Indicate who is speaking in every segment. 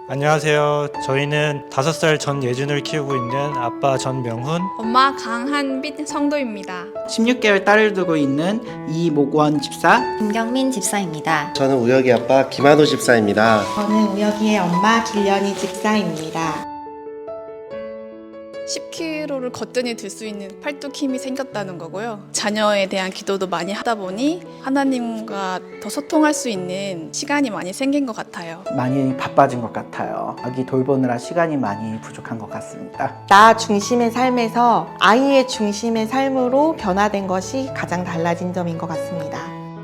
Speaker 1: 안녕하세요. 저희는 5살 전예준을 키우고 있는 아빠 전명훈,
Speaker 2: 엄마 강한빛 성도입니다.
Speaker 3: 16개월 딸을 두고 있는 이목원 집사,
Speaker 4: 김경민 집사입니다.
Speaker 5: 저는 우혁이 아빠 김한호 집사입니다.
Speaker 6: 저는 우혁이의 엄마 길련이 집사입니다.
Speaker 2: 10kg를 거뜬히 들 수 있는 팔뚝 힘이 생겼다는 거고요. 자녀에 대한 기도도 많이 하다 보니 하나님과 더 소통할 수 있는 시간이 많이 생긴 것 같아요.
Speaker 3: 많이 바빠진 것 같아요. 아기 돌보느라 시간이 많이 부족한 것 같습니다.
Speaker 6: 나 중심의 삶에서 아이의 중심의 삶으로 변화된 것이 가장 달라진 점인 것 같습니다.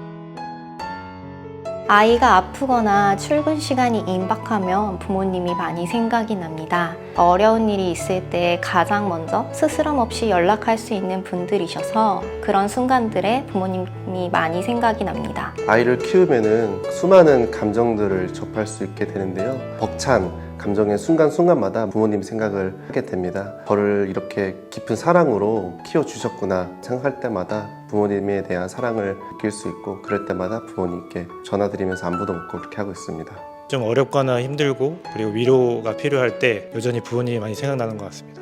Speaker 4: 아이가 아프거나 출근 시간이 임박하면 부모님이 많이 생각이 납니다. 어려운 일이 있을 때 가장 먼저 스스럼 없이 연락할 수 있는 분들이셔서 그런 순간들에 부모님이 많이 생각이 납니다.
Speaker 5: 아이를 키우면은 수많은 감정들을 접할 수 있게 되는데요. 벅찬 감정의 순간순간마다 부모님 생각을 하게 됩니다. 저를 이렇게 깊은 사랑으로 키워주셨구나 생각할 때마다 부모님에 대한 사랑을 느낄 수 있고, 그럴 때마다 부모님께 전화드리면서 안부도 묻고 그렇게 하고 있습니다.
Speaker 1: 좀 어렵거나 힘들고 그리고 위로가 필요할 때 여전히 부모님이 많이 생각나는 것 같습니다.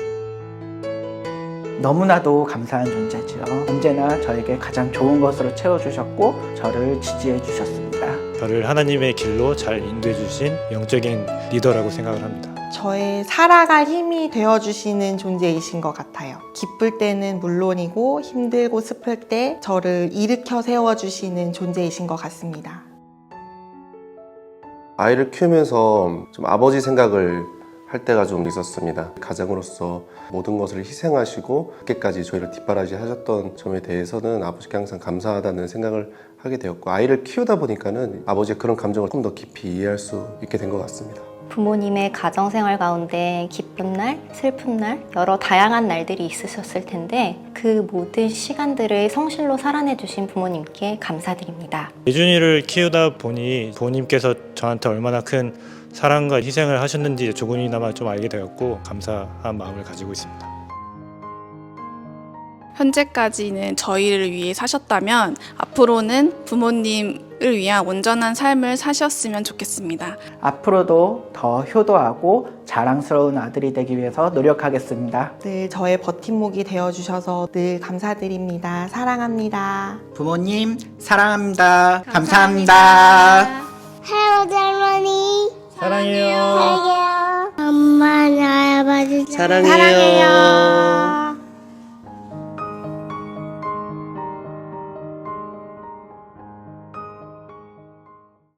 Speaker 3: 너무나도 감사한 존재죠. 언제나 저에게 가장 좋은 것으로 채워주셨고 저를 지지해 주셨습니다.
Speaker 1: 저를 하나님의 길로 잘 인도해 주신 영적인 리더라고 생각을 합니다.
Speaker 6: 저의 살아갈 힘이 되어주시는 존재이신 것 같아요. 기쁠 때는 물론이고 힘들고 슬플 때 저를 일으켜 세워주시는 존재이신 것 같습니다.
Speaker 5: 아이를 키우면서 좀 아버지 생각을 할 때가 좀 있었습니다. 가장으로서 모든 것을 희생하시고 그렇게까지 저희를 뒷바라지 하셨던 점에 대해서는 아버지께 항상 감사하다는 생각을 하게 되었고, 아이를 키우다 보니까는 아버지의 그런 감정을 조금 더 깊이 이해할 수 있게 된 것 같습니다.
Speaker 4: 부모님의 가정생활 가운데 기쁜 날, 슬픈 날, 여러 다양한 날들이 있으셨을 텐데 그 모든 시간들을 성실로 살아내 주신 부모님께 감사드립니다.
Speaker 1: 예준이를 키우다 보니 부모님께서 저한테 얼마나 큰 사랑과 희생을 하셨는지 조금이나마 좀 알게 되었고 감사한 마음을 가지고 있습니다.
Speaker 2: 현재까지는 저희를 위해 사셨다면 앞으로는 부모님을 위한 온전한 삶을 사셨으면 좋겠습니다.
Speaker 3: 앞으로도 더 효도하고 자랑스러운 아들이 되기 위해서 노력하겠습니다.
Speaker 6: 늘 저의 버팀목이 되어주셔서 늘 감사드립니다. 사랑합니다.
Speaker 3: 부모님 사랑합니다. 감사합니다.
Speaker 7: 할아버지 할머니
Speaker 1: 사랑해요.
Speaker 7: 사랑해요. 엄마 나 아버지
Speaker 5: 사랑해요.
Speaker 6: 사랑해요.